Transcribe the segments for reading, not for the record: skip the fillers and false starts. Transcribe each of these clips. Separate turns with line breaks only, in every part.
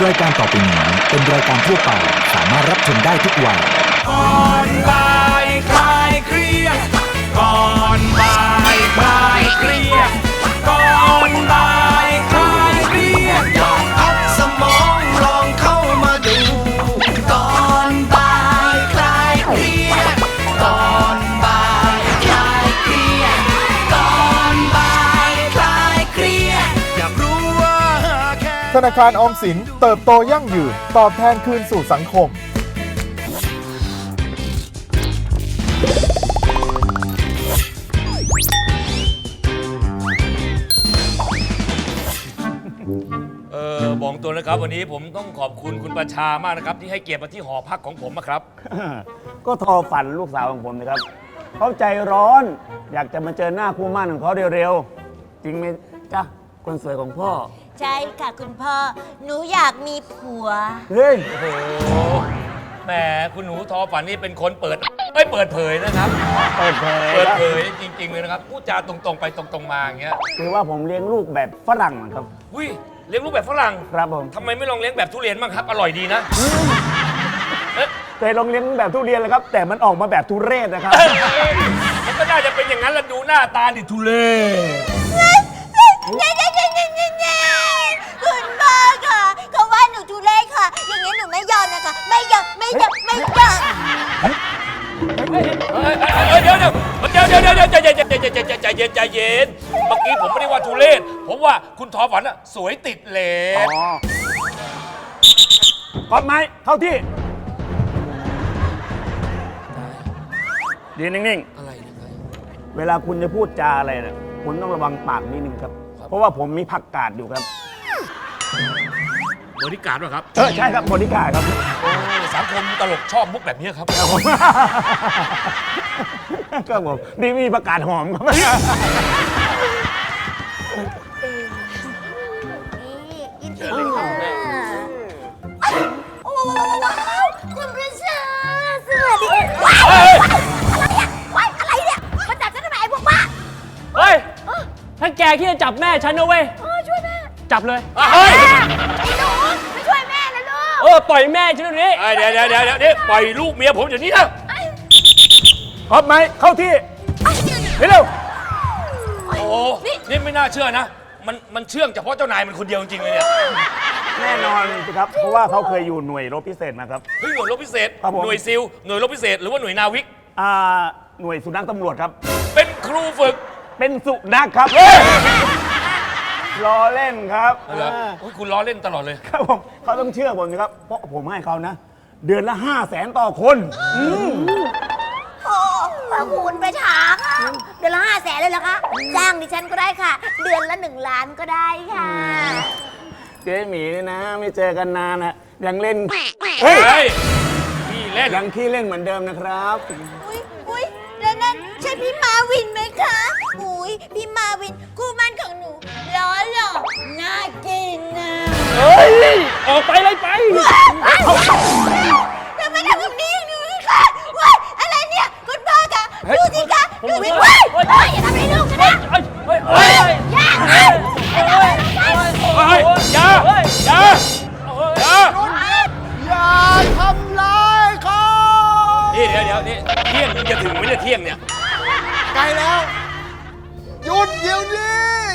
รายการต่อไปนี้เป็นรายการทั่วไปสามารถรับชมได้ทุกวัย
ก่อนบ่ายคลายเครียดก่อนบ่ายคลายเครียดก่อนบ่ายคลายเครียดลองพักสมองลองเข้ามาดูก่อนบ่ายคลายเครียดก่อนบ่ายคลายเครียดก่อนบ่ายคลายเครียดอยากรู้ว่าแค่
ธนาคารออมสินเติบโตยั่งยืนตอบแทนคืนสู่สังคม
บอกตัวนะครับวันนี้ผมต้องขอบคุณคุณประชามากนะครับที่ให้เกียรติมาที่หอพักของผมนะครับ
ก็ทอฝันลูกสาวของผมนะครับเขาใจร้อน อยากจะมาเจอหน้าคู่หมั่นของเขาเร็วๆจริงไหมจ๊ะคนสวยของพ่อ
ใช่ค่ะคุณพ่อ หนูอยากมีผัว
เฮ้ย
โอ้โหแหมคุณหนูทอฝันนี่เป็นคนเปิดเผยนะครับ
เปิดเผย
เปิดเผยจริงๆเลยนะครับพูดจาตรงๆไปตรงๆมาอย่างเงี้ย
คือว่าผมเลี้ยงลูกแบบฝรั่งนะครับ
อุ้ยเลี้ยงลูกแบบฝรั่ง
ครับผม
ทำไมไม่ลองเลี้ยงแบบทุเรียนบ้างครับ อร่อยดีนะ
เคยลองเลี้ยงแบบทุเรียนเลยครับ แต่มันออกมาแบบทุเรศนะครับ
มันก็น่าจะเป็นอย่างนั้นละดูหน้าตาดิทุเรศ
คุณพ่อค่ะเขาว่าหนูทุเรศค่ะ อย่างนี้หนูไม่ยอมนะคะ ไม่ยอม
เดี๋ยวใจเย็นเมื่อกี้ผมไม่ได้ว่าทุเรศผมว่าคุณทอฝันอะสวยติดเหลว
ก๊อปไม้เข้าที่ยืนนิ่ง
อะไรนะครับ
ๆ เวลาคุณจะพูดจาอะไรเนี่ยคุณต้องระวังปากนิดนึงครับ เพราะว่าผมมีผักกาดอยู่ครับ
บริการป่ะครับ
ใช่ครับบริการครับ
สังคมตลกชอบมุกแบบนี้ครับ
ครับผม ก็ผมนี่มีประกาศหอมครับ
ยินดีค่ะโอ้ว้าวคุณประชาสวัสดีว้ายอะไรเนี่ยมาจับฉันทำไมไอ้พวกบ้า
เฮ้ย ถ้าแกคิดจะจับแม่ฉันนะเว้ย
ช่วยแม่
จับเลย
เฮ้ย
ไอ้หนูไม่ช่วยแม่นะลูก
ปล่อยแม่ฉันเดี๋ยวนี้
เดี๋ยวนี่ปล่อยลูกเมียผมอย่างนี้นะ
ก๊อปไม้เข้าที่เร็ว
โอ้โหนี่ไม่น่าเชื่อนะ มันเชื่องเฉพาะเจ้านายมันคนเดียวจริงๆเลยเนี่ย
แน่นอนสิครับ เพราะว่าเขาเคยอยู่หน่วยรบพิเศษมาครับ
เฮ้ยหน่วยรบพิเศษ
ครับผม
หน่วยซิลหน่วยรบพิเศษหรือว่าหน่วยนาวิก
หน่วยสุนัขตำรวจครับ
เป็นครูฝึก
เป็นสุนัขครับล้อเล่นครับ
เหรอโอ้ยคุณล้อเล่นตลอดเลย
ครับผมเขาต้องเชื่อผมสิครับ เพราะผมให้เขานะ เดือนละ 500,000 ต่อคน
โอ้พระคุณประชาค่ะเดือนละ500,000เลยเหรอคะจ้างดิฉันก็ได้ค่ะ เดือนละ1 ล้านก็ได้ค่ะ
เจ๊หมีนี่นะ ไม่เจอกันนานนะยังเล่น
เฮ้ยพี่เล่น
ยังขี้เล่นเหมือนเดิมนะครับ
อุ้ยแล้วนั่นใช่พี่มาวินไหมคะอุ้ยพี่มาวินคู่มั่นของหนูล้อหล่อน่ากินนะ
เฮ้ย ออกไปเลยไป
ทำไมทำแบบนี้หนูคะว้ายอะไรเนี่ยคุณพ่อคะดูสิคะดูสิว้ายอย่าทำให้ลูกฉันนะ
เฮ้ย
อย่า
เฮ้ยอย่า
อย่าทำร้ายเขา
นี่เดี๋ยวนี่เที่ยงมึงจะถึงไหมเนี่ยเที่ยงเนี่ย
ไกลแล้วหยุดเดี๋ยวนี้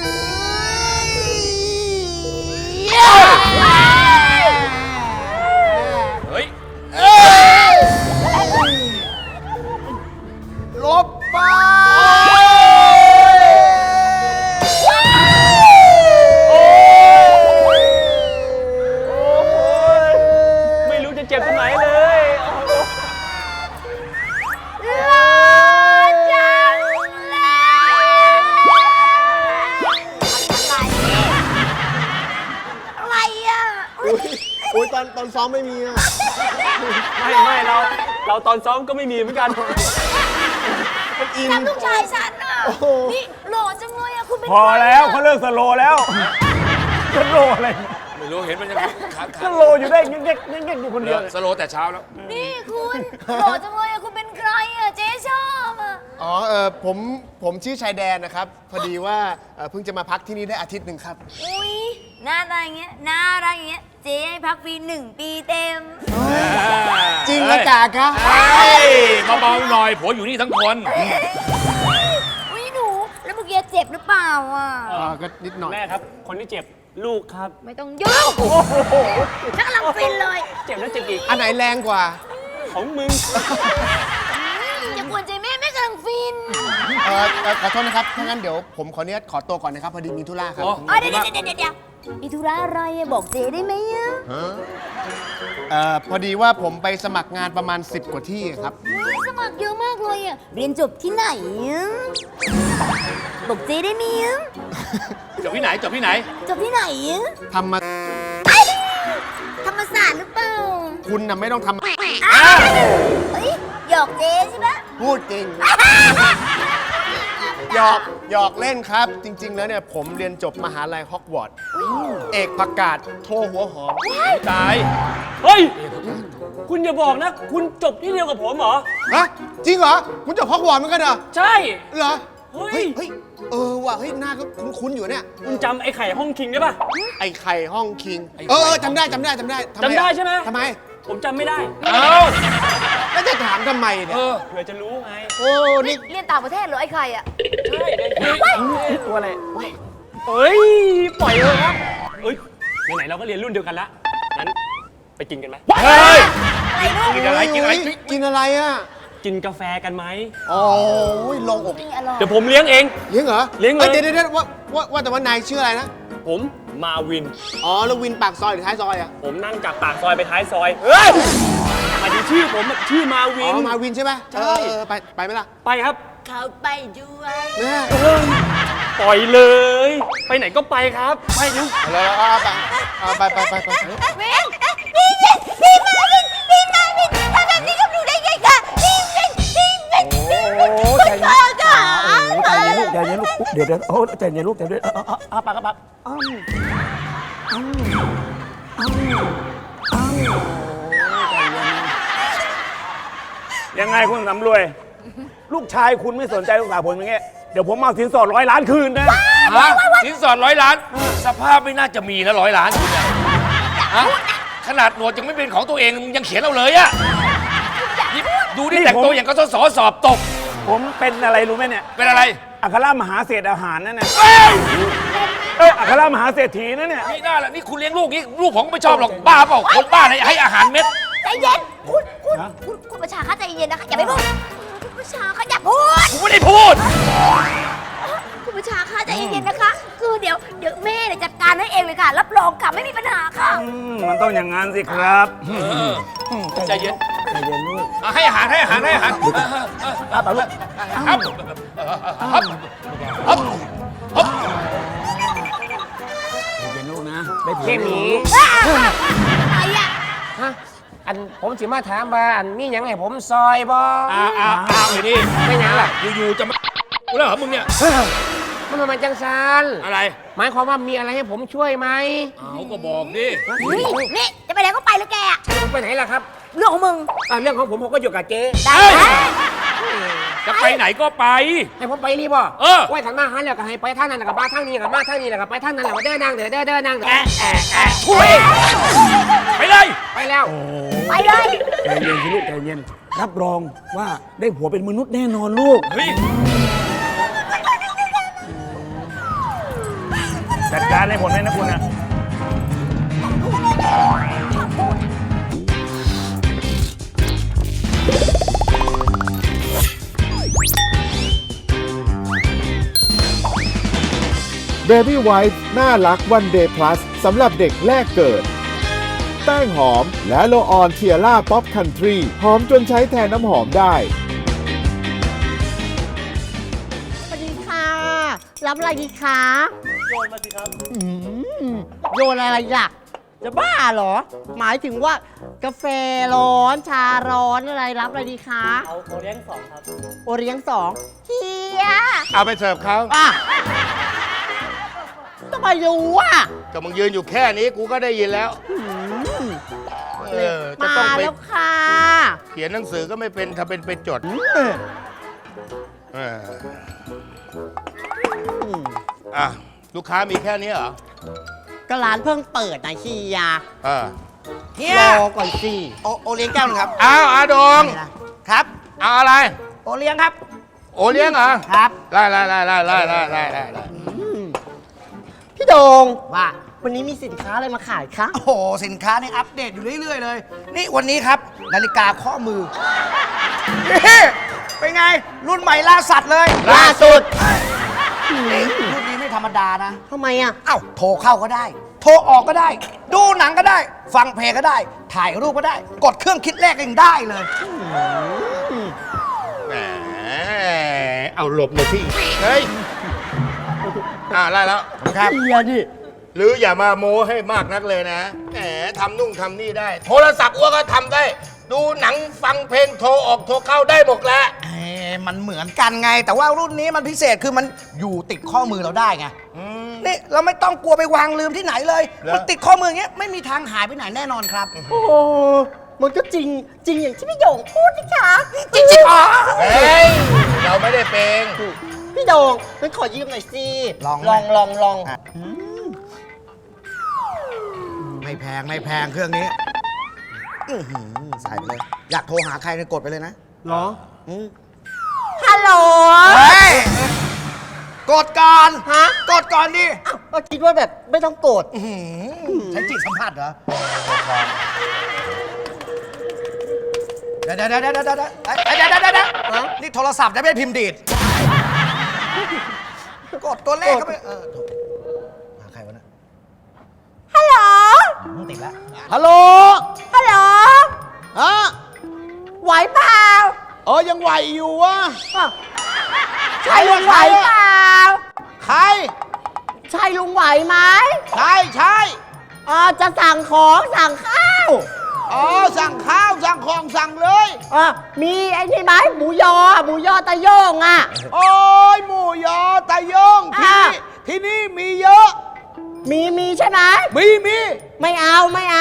เฮ้ย
ลบไป
ไม่รู้จะเจ็บตรงไหนเลย
อะไรอ่ะ
อุ้ยตอนซ้อมไม่มีอ่ะ
ไม่เราตอนซ้อมก็ไม่มีเหมือนกัน
มันอิน
ทำลูกชายฉันอ่ะ
โอ้โห
นี่หล่อจังเลยอ่ะคุณเป็น
พอแล้วเขาเลิกสโลว์แล้วสโลว์อะไร
ไม่รู้เห็นมันยังขาด
สโลว์อยู่ได้เงี้ยๆอยู่คนเดียว
สโลแต่เช้าแล้ว
นี่คุณหล่อจังเลยอ่ะคุณเป็นใครอ่ะเจ๊ชอบอ่ะ
อ๋อผมชื่อชายแดนนะครับ พอดีว่าเพิ่งจะมาพักที่นี่ได้อาทิตย์หนึ่งครับ
อุ้ยหน้าตาอย่างเงี้ยน่ารักอย่างเงี้ยเจ๊ให้พักฟรี1 ปีเต็ม
จริงนะจ่าคะ
เฮ้ยเบาๆหน่อยผัวอยู่นี่ทั้งคน
อุ้ยหนู แล้วเมื่อกี้เจ็บหรือเปล่าอ่ะ
ก็นิดหน่อย
แม่ครับ คนที่เจ็บลูกครับ
ไม่ต้องยุ่งฉันกำลังฟินเลย
เจ็บแล้วเจ็บอีก
อันไหนแรงกว่า
ของมึง
อย่ากวนใจแม่กำลังฟิน
ขอโทษนะครับ ถ้างั้นเดี๋ยวผมขออนุญาตขอตัวก่อนนะครับ พอดีมีธุระครับ
อ๋อ
เดี๋ยวมีธุระอะไรอะบอกเจ๊ได้ไหมอะ
พอดีว่าผมไปสมัครงานประมาณ 10 กว่าที่ครับ
อุ๊ยสมัครเยอะมากเลยอะเรียนจบที่ไหนอะบอกเจ๊ได้ไหมอะ
จบที่ไหนจบที่ไหน
จบที่ไหนอะ
ทำมา
ธรรมศาสตร์หรือเปล่า
คุณน่ะไม่ต้องท
อ้าวเฮ้ยหยอกเจ๊ใช่ไหม
ำพูดจริง หยอกเล่นครับ จริง ๆ แล้วเนี่ยผมเรียนจบมหาลัยฮอกวอตส์เอกผักกาดโทหัวหอม
ตาย
เฮ้ย คุณอย่าบอกนะ คุณจบที่เดียวกับผมเหรอ
ฮะ จริงเหรอ คุณจบฮอกวอตส์เหมือนกันเหรอ
ใช่
เหรอ
เฮ้ย
เฮ้ย ว่ะ เฮ้ย หน้าก็คุ้นๆอยู่เนี่ย
คุณจำไอ้ไข่ห้องคิงได้ปะ
ไอ้ไข่ห้องคิง จำได้ทำไม
จำได้ใช่ไหม
ทำไม
ผมจำไม่ได้
เอ้า
แล้วจะถามทำไมเนี่ย
เผื่อจะรู้ไง
โอ้นี่
เรียนต่างประเทศเหรอไอ้ใครอะ
ใช่ตัวอะไรเฮ้ย ปล่อยเลยครับเอ้ย ไหนๆเราก็เรียนรุ่นเดียวกันละงั้นไปกินกันไหม
เฮ้ย
อะไรลูก
กินอะไรกินอะไร
กินอะไรอ่ะ
กินกาแฟกันไหม
โอ้ยลงอก
นี่อร่อย
เดี๋ยวผมเลี้ยงเอง
เลี้ยงเหรอ
เลี้ยงเลย
เดี๋ยวว่าแต่ว่านายชื่ออะไรนะ
ผมมาวิน
อ๋อ แล้ววินปากซอยหรือท้ายซอยอ่ะ
ผมนั่งจากปากซอยไปท้ายซอย เฮ้ยหมายถึงชื่อผมอะชื่อมาวิ
อ๋
น
อ มาวินใช่ไหม
ใช่
ไปไหมล่ะ
ไปครับ
เขาไปด้วย
แม่
ปล่อยเลย ไปไหนก็ไปครับ ไปเร็ว
ไป
วินพี่มาวินทำแบบนี้กับหนูได้ไงคะพี่วินคุณพ่อค่ะ
ใจเย็นลูกใจเย็นลูกเดี๋ยวโอ้ใจเย็นลูกใจเย็นปากกระปักยังไงคุณสำรวย ลูกชายคุณไม่สนใจลูกสาวผมอย่างเงี้ยเดี๋ยวผมเอาสินสอด100 ล้านคืนนะ
ฮะสินสอด100 ล้าน สภาพไม่น่าจะมีนะ100 ล้านคุณเนี่ยฮะขนาดหนวดยังไม่เป็นของตัวเองยังเขียนเอาเลยอะนี่ดูนี่แต่งตัวอย่างก็สสอบตก
ผมเป็นอะไรรู้ไหมเนี่ย
เป็นอะไร
อัครมหาเศรษฐอาหารนั่นน่ะ
เอ้ย
อัครมหาเศรษฐีนั่นเนี่ย
นี่น่าละนี่คุณเลี้ยงลูกนี่ลูกผมก็ไม่ชอบหรอกบ้าเปล่าคนบ้าอะไรให้อาหารเม็ด
ใจเย็นคุณประชาคะใจเย็นนะคะอย่าไปพูดคุณประชาคะอย่าพูด
ผมไม่ได้พูด
คุณประชาคะใจเย็นๆนะคะ คือเดี๋ยวแม่เนี่ยจัดการให้เองเลยค่ะ รับรองค่ะไม่มีปัญหาค่ะ
มันต้องอย่างนั้นสิครับ
ใจเย็น
ใจเย็นลูก
ให้อาหารครับ
ครับลูก
ครับครับ
ใจเย็นลูกนะได้ผล
เข้มหมี
อะไรอะ
ฮะอันผมสิมาถามว่าอันมีหยังให้ผมซอยบ่
อ้าวเลยนี่
ไม่หยังล่ะ
อยู่ๆจะมากูแล้วเหรอมึงเนี่ย
มันมาจังซัน
อะไร
หมายความว่ามีอะไรให้ผมช่วยไหม
เอาก็บอกดิ
นี่จะไปไหนก็ไปเลยแกอะ
ไปไหนล่ะครับ
เรื่องของมึง
เรื่องของผมก็อยู่กับเจ๊
ได้
จะไปไหนก็ไป
ให้ผมไปนี่บ่
เออ
ไว้ถังมาหันแล้วก็ให้ไปทางนั้นแล้วก็มาทางนี้แล้วก็มาทางนี้แล้วก็ไปทางนั้นแล้วก็เดินนางเดินนาง
ถุยไปเลย
ไปแล้ว
ไปเลย
ใจเย็นสิลูกใจเย็นรับรองว่าได้ผัวเป็นมนุษย์แน่นอนลูก
เฮ้ย
จัดการให้ผลเลยนะคุณนะ
Baby White น่ารักวันเดย์พลัสสำหรับเด็กแรกเกิด แป้งหอมและโลออนเทียร่าป๊อปคันทรีหอมจนใช้แทนน้ำหอมได้
สวัสดีค่ะ รับอะไรดีคะ
โยนมาสิครับ
โยนอะไรล่ะ จะบ้าเหรอ หมายถึงว่ากาแฟร้อน ชาร้อนอะไรรับอะไรดีคะ
เอาเลี้ยงสองครับ
โอเลี้ยง2เฮีย
เอาไปเสิร์ฟเขา
อ่ะทำไมรู้อ่ะ
ก็มึงยืนอยู่แค่นี้กูก็ได้ยินแล้ว จะ
มา
ต้องไป
แล้วค่ะ
เขียนหนังสือก็ไม่เป็นทำเป็นไปจดลูกค้ามีแค่นี้เหรอ
ก็ร้านเพิ่งเปิดนะเฮีย
เฮีย
รอก่อนสิ
โอเลี้ยงแก้วหนึงครับ
อ้าวอาดง
ครับ
เอาอะไร
โอเลี้ยงครับ
โอเลี้ยงเหรอ
ครับ
ไล่
พี่โดง
ว่า
วันนี้มีสินค้าอะไรมาขายคะ
โอ้โห สินค้านี่อัปเดตอยู่เรื่อยๆเลย นี่วันนี้ครับ นาฬิกาข้อมือนี่เป็นไง รุ่นใหม่ล่าสัตว์เลย
ล่าสุด
นี่รุ่นนี้ไม่ธรรมดานะ
ทำไมอ่ะ
เอ้าโทรเข้าก็ได้ โทรออกก็ได้ ดูหนังก็ได้ ฟังเพลงก็ได้ ถ่ายรูปก็ได้ กดเครื่องคิดเลขก็ยังได้เลย
แหมเอาหลบหน่อยพี่เฮ้ยไล่แล้ว
ครับ
เฮียดิ
หรืออย่ามาโม้ให้มากนักเลยนะแหมทำนู่นทำนี่ได้ โทรศัพท์อ้วก็ทำได้ ดูหนังฟังเพลงโทรออกโทรเข้าได้หมดแล้ว
มันเหมือนกันไง แต่ว่ารุ่นนี้มันพิเศษคือมันอยู่ติดข้อมือเราได้ไงนี่เราไม่ต้องกลัวไปวางลืมที่ไหนเลย
แล้ว
มันติดข้อมืออย่างเงี้ยไม่มีทางหายไปไหนแน่นอนครับ
โอ้โหมันก็จริงอย่างที่พี่โดงพูดนะคะ
จริงๆอ๋อ
เฮ้ยเราไม่ได้เป็น
พี่โดงงั้นขอยืมหน่อยสิ
ลอง อ่ะ ไม่แพงเครื่องนี้อื้อหือใส่ไปเลย อยากโทรหาใครเนี่ยกดไปเลยนะ
เหรอ
อืม
ฮัลโหล
เฮ้ยกดก่อน
ฮะ
กดก่อนดิ
อ้าวก็คิดว่าแบบไม่ต้องกด
อื้อหือใช้จิตสัมผัสเหรอเดี๋ยวนี่โทรศัพท์จะไม่ได้พิมพ์ดีดกดตัวเลขเข้าไปถูกหาใครวะเนะ
ฮัลโหล
ติดแล้ว
ฮัลโหล
ฮัลโหล
ฮะ
ไหวเปล่า
ยังไหวอยู่วะ
ใช่ลุงไหวเปล่า
ใคร
ใช่ลุงไหวไหม
ใช่
จะสั่งของสั่งข้าว
สั่งข้าวสั่งของสั่งเลย
มีไอ้นี่ไหมหมูยอตะโยงอ่ะ
โอ้ยหมูยอตะยง
อ่ะ
ที่นี่มีเยอะ
มีใช่ไหม
มี
ไม่เอา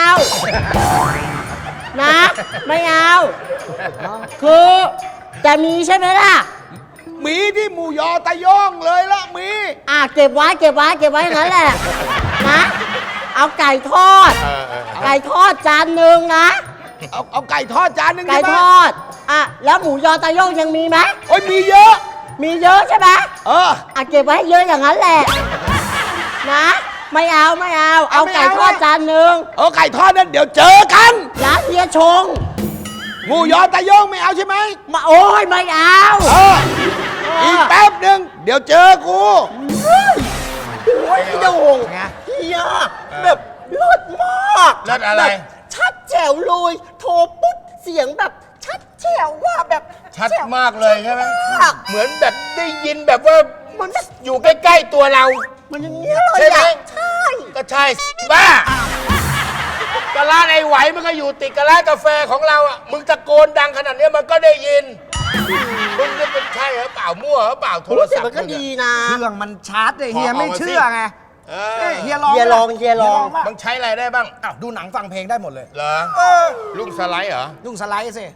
นะ ไม่เอา คือจะมีใช่ไหมล่ะ
มีที่หมูยอตะยงเลยละมี
เก็บไว้อย่างนั้นแหละนะ เอาไก่ทอด ไก่ทอดจานหนึ่งนะ
เอาไก่ทอดจานหนึ่ง
ไก่
ใช่ไหม
ทอดแล้วหมูยอตะโยงยังมีไหม
โอ้ยมีเยอะ
มีเยอะใช่ไหม เก็บไว้ให้เยอะอย่างนั้นแหละ นะ ไม่เอา เอาไก่ทอดจานหนึ่ง
ไก่ทอดนั้นเดี๋ยวเจอกัน
ร้านเฮียชง
หมูยอตะยงไม่เอาใช่ไหม
โอ้ยไม่เอา
อีกแป๊บหนึ่งเดี๋ยวเจอกู
โอ้ยพี่โดง
ไง
เฮียแบบเลิศมาก
เลิศอะไร
แบบชัดแจ๋วเลยโทรปุ๊บเสียงแบบชัดแจ๋วว่าแบบ
ชัด
แจ๋ว
มากเลยใช่ไหม
มาก
เหมือนแบบได้ยินแบบว่า
มันแบบ
อยู่ใกล้ๆตัวเรา
มันอย่างเงี้ยเลย
ใช่ไหม
อ่ะใช่
ก็ใช่บ้าก็ร้านไอ้ไหวมันก็อยู่ติดกับร้านกาแฟของเราอ่ะมึงตะโกนดังขนาดเนี้ยมันก็ได้ยินมึงจะเป็นใช่เหรอเปล่ามั่วเหรอเปล่าโทร
รู้สึก
ศัพท์
มันก็ดีนะ
เครื่องมันชาร์จเลยเฮีย
ขอเอา
ไม่
มาสิ
เชื่อไง
เอ
เอ้
อย
เฮียลอง
เฮียลอง
ป่ะ
มึงใช้อะไรได้บ้าง
อ้าวดูหนังฟังเพลงได้หมดเลย
เหรอลุงสไลด์เหรอ
ลุงสไลด์สิ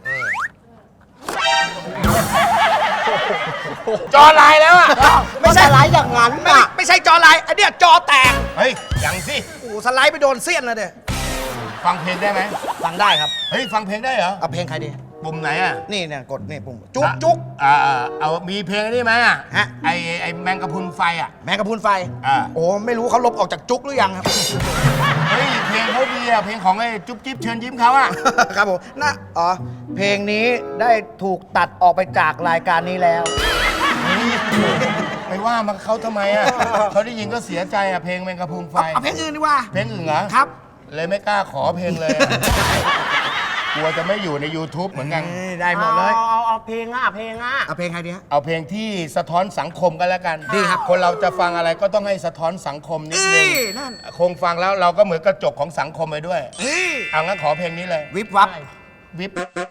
จอลายแล้วอ่ะ
ไม่ใช่ไรอย่างนั้น
ไม่ใช่จอไลน์ไอเนี้ยจอแตก
เฮ้ยยังสิ
โอ้โหสไลด์ไปโดนเสี้ยนนะเด้
ฟังเพลงได้ไหม
ฟังได้ครับ
เฮ้ยฟังเพลงได้เหรอ
เอาเพลงใครดี
ปุ่มไหนอ่ะ
นี่เนี่ยกดนี่ปุ่มจุ๊กจุ๊ก
เอามีเพลงนี่ไหมอ่ะ
ฮะ
ไอแมงกะพรุนไฟอ่ะ
แมงกะพรุนไฟ
อ่า
โอ้ไม่รู้เขาลบออกจากจุ๊กหรือยังครับ
เฮ้ยเพลงเขาดีอ่ะเพลงของไอ้จุ๊บจิ๊บเชิญยิ้มเขาอ่ะ
ครับผมเพลงนี้ได้ถูกตัดออกไปจากรายการนี้แล้ว
ไปว่ามันเขาทำไมอ่ะ เขาได้ยินก็เสียใจอ่ะเพลงแมงกะพรุนไฟ
เอาเพลงอื่นดีกว่า
เพลงอื่นเหรอ
ครับ
เลยไม่กล้าขอเพลงเลยอะกลัวจะไม่อยู่ใน YouTube เหมือนกัน
ได้หมดเลย
เอาเพลงเพลง
เอาเพลงใครดีฮะ
เอาเพลงที่สะท้อนสังคมกันแล้วกัน
ดีครับ
คนเราจะฟังอะไรก็ต้องให้สะท้อนสังคมนิดนึง
นั่น
คงฟังแล้วเราก็เหมือนกระจกของสังคมไปด้วย
เฮ้ย
เอางั้นขอเพลงนี้เลย
วิบวับ
วิบ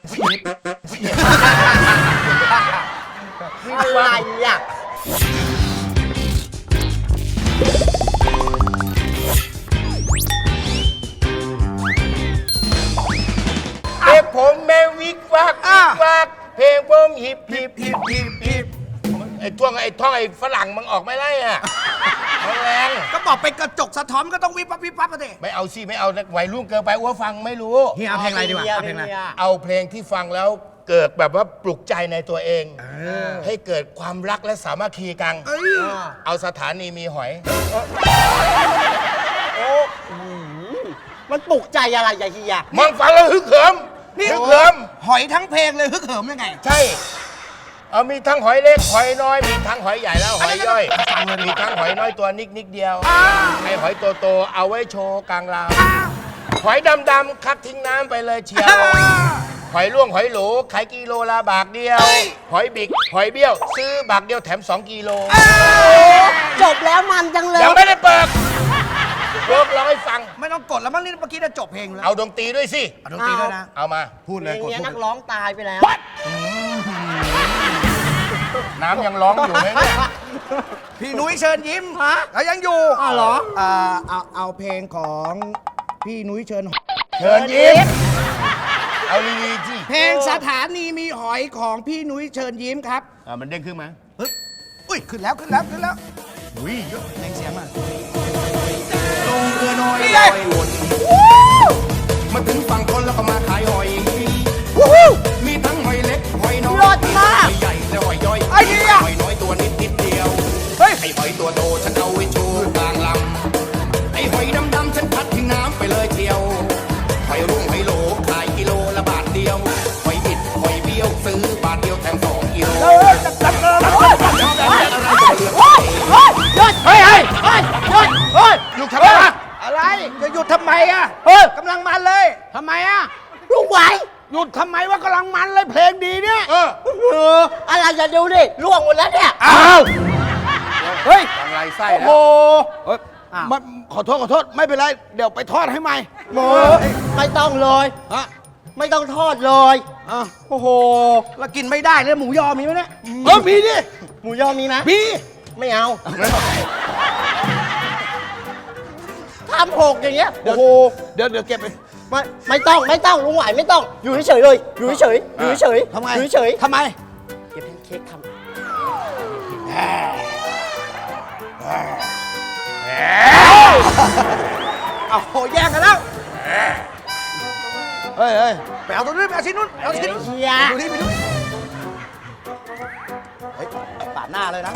อะไรอ่ะ
เพลงผมแม่วิกวักวิกวักเพลงผมฮิปฮิปฮิปฮิปฮิปไอ้ท่องไอ้ฝรั่งมันออกไม่ได้อ่ะแรง
ก็บอกเป็นกระจกสะท้อนก็ต้องวิบวับวิบวับกันสิ
ไม่เอาสิไม่เอาวัยรุ่นเกินไปอ้วฟังไม่รู้
เฮียเอาเพลงอะไรดีกว่าเอาเพลงอะไร
เอาเพลงที่ฟังแล้วเกิดแบบว่าปลุกใจในตัวเอง ให้เกิดความรักและสามัคคีกัน เอาสถานีมีหอย
มันปลุกใจอะไรอย่าเฮีย
มองฟังแล้วฮึกเหิมฮึกเหิม
หอยทั้งเพลงเลยฮึกเหิมยังไง
ใช่ เอามีทั้งหอยเล็กหอยน้อย มีทั้งหอยใหญ่แล้วหอยย่อย มีทั้งหอยน้อยตัวนิดเดียวไอหอยโตๆเอาไว้โชว์กลางลาวหอยดำๆคัดทิ้งน้ำไปเลยเชียว หอยล่วงหอยโหลขายกิโลละบาทเดียว หอยบิกหอยเบี้ยว ซื้อบาทเดียวแถม2 กิโล
จบแล้วมันจังเลย
ยังไม่ได้เปิดเวิร์กร้องให้ฟัง
ไม่ต้องกดแล้วมั้งนี่เมื่อกี้จะจบเพลงแล้ว
เอาดนตรีด้วยสิ
เอาดนตรีด้วยนะ
เอามา
พูด
เพ
เล
ล
ย
ง
กด
เนี้ย
พูด
นักร้องตายไปแล้ว
น้ำยังร้องอยู่ไหมเนี่ย
พี่นุ้ยเชิญยิ้มแล้วยังอยู่
อ้าวเหรอ
เอาเพลงของพี่นุ้ยเชิญ
เชิญยิ้ม เอาลีๆสิ
เพลงสถานีมีหอยของพี่นุ้ยเชิญยิ้มครับ
มันเด้งขึ้นไหม
เฮ้ยอุ้ยขึ้นแล้วขึ้นแล้วขึ้นแล้ว
อุ้ยเยอะ
เพลงเสียงมา
ลงเรือน้อย
นี่
ล
ไง
อยวนมาถึงฝั่งคนแล้วก็มาขายหอย มีทั้งหอยเล็กหอยน้อย
รสมาก
หอยใหญ่และหอยย่อย
ไอ้เหี้ย
หอยน้อยตัวนิดเดียว
เฮ้ย
ไอ้หอยตัวโตฉันเอาไว้โชว์กลางลำไอ้หอยดำๆฉันพัดทิ้งน้ำไปเลยเที่ยว หอยรุ่งหอยโหลขายกิโลละบาทเดียว หอยบิดหอยเบี้ยวซื้อบาทเดียวแถม2 กิโล
ลูกทำไมวะ
อะไรจะหยุดทำไมอ่ะกำลังมันเลยทำไมอ่ะ
ลุงไหว
หยุดทำไมว่ากำลังมันเลยเพลงดีเนี่ย
อะไรอย่าดูดิล่วงหมดแล้วเนี่ย
อ้าวเฮ้ย
ทางไรไส้
โอ้
แล้
โห
ว
มันขอโทษไม่เป็นไรเดี๋ยวไปทอดให้ใหม่
โอ้ไม่ต้องเลย
ฮะ
ไม่ต้องทอดเลย
โอ้โหแล้วกินไม่ได้เลยหมูยอมีไหมเนี่ยมีดิ
หมูยอมีไหม
มี
ไม่เอาทำหกอย่างเงี้ย
โอ้โหเดี๋ยวเก็บไป
ไม่ต้องลุงไหวไม่ต้อง อยู่เฉยๆเลย อยู่เฉยๆอยู่เฉยๆ
ทำไม
อยู่เฉย
ทำไม
ๆเก็บเค้กทำ
เอาโหแย่งกันแล้วเฮ้ยไปเอาตัวนู้นไปเอาชิ้นนู้นไปเอาชิ้นนู้น
เฮีย
ดูนี่ไปดูเฮ้ยปาดหน้าเลยนะ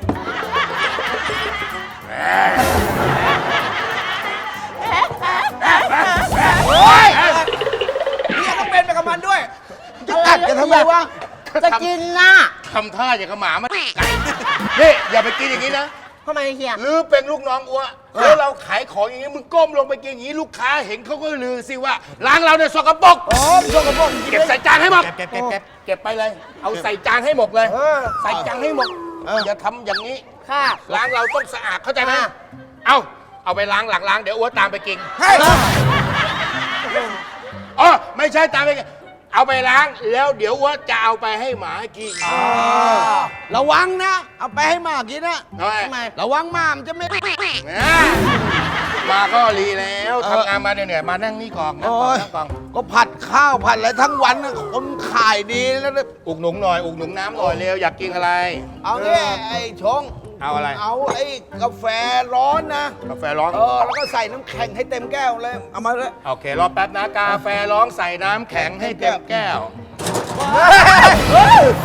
โอ้ยนี่ต้องเป็นไปกับมันด้วยจะกัดกันทำไมวะ
จะกินนะ
ทำท่าอย่างกับหมามันนี่อย่าไปกินอย่างนี้นะ
ทำไมเฮีย
หรือเป็นลูกน้องอ้วแล้วเราขายของอย่างนี้มึงก้มลงไปกินอย่างนี้ลูกค้าเห็นเขาก็ลือสิว่าร้านเราเนี่ยสกปรก
โอ้ยชกกับพวก
เก็บใส่จานให้หมดเก็บไปเลย เอาใส่จานให้หมดเลย ใส่จานให้หมดอย่าทำอย่างนี้
ค่ะ
ร้านเราต้องสะอาดเข้าใจไหม
อ่ะ
เอาไปล้างหลังล้างเดี๋ยวอ้วตามไปกิน
เฮ้ย
อ๋อไม่ใช่ตามไปกินเอาไปล้างแล้วเดี๋ยวอ้วจะเอาไปให้หมากิน
ระวังนะ เอาไปให้หมากินนะ
ทำไม
ระวังหมามันจะไม่
มาก็รีแล้วทำงานมาเหนื่อยๆมานั่งนี่ก่อนนั่งก่อนนั่งก่อน
ก็ผัดข้าวผัดอะไรทั้งวันนะคนขายดีแล้วนะ
อุกหนุงหน่อยอุกหนุงน้ำหน่อยเร็วอยากกินอะไร
เอาเนี่ยไอ้ชง
เอาอะไร
เอาไอ้กาแฟร้อนนะ
กาแฟร้อน
แล้วก็ใส่น้ำแข็งให้เต็มแก้วเลย เอามาเลย
โอเครอแป๊บนะกาแฟร้องใส่น้ำแข็งให้เต็มแก้ว